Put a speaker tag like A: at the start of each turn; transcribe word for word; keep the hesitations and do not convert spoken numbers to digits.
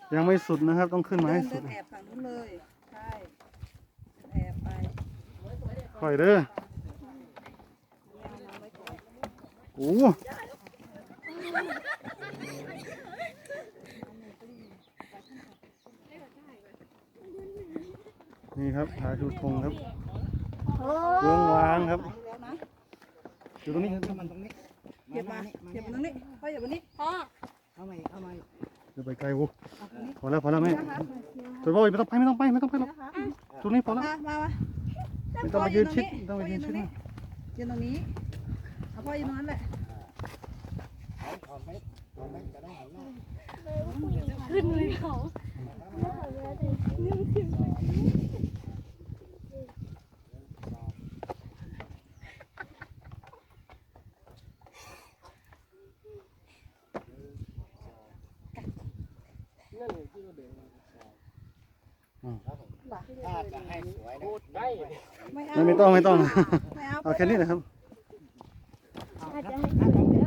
A: ยังไม่สุดนะครับต้องขึ้นมาให้สุด
B: เดินแอบฝั่งนู้นเลยใช่แอบไป
A: ค่อยเด้อโอ้นี่ครับผาชูธงครับเบื้องวางครับอยู่ตรงนี้ครับมันตรงนี้
B: เหยียบมาเหยียบมาตรงนี้พ่อเหยียบมานี้พ่อ
C: เข้ามาเข้ามา
A: เดี๋ยวไปไกลวูพอแล้วพอแล้วแม่ตัวพ่อไม่ต้องไปไม่ต้องไปไม่ต้องไปหรอกตรงนี้พอแล้ว
B: มามามา
A: ไม่ต้องมายืนชิดไม่ต้องมายืนชิดนะ
B: ยืนตรงนี้เอาพ่อยืนตรงนั้นแหละ
D: ขึ้นเลยเขา
C: ถ้าจะให้สวยนะได้
B: ไม่เอา
A: ไม่ต้องไม่ต้อง
B: ไม่เอา
A: เอาแค่นี้นะครับ
D: อาจจะให้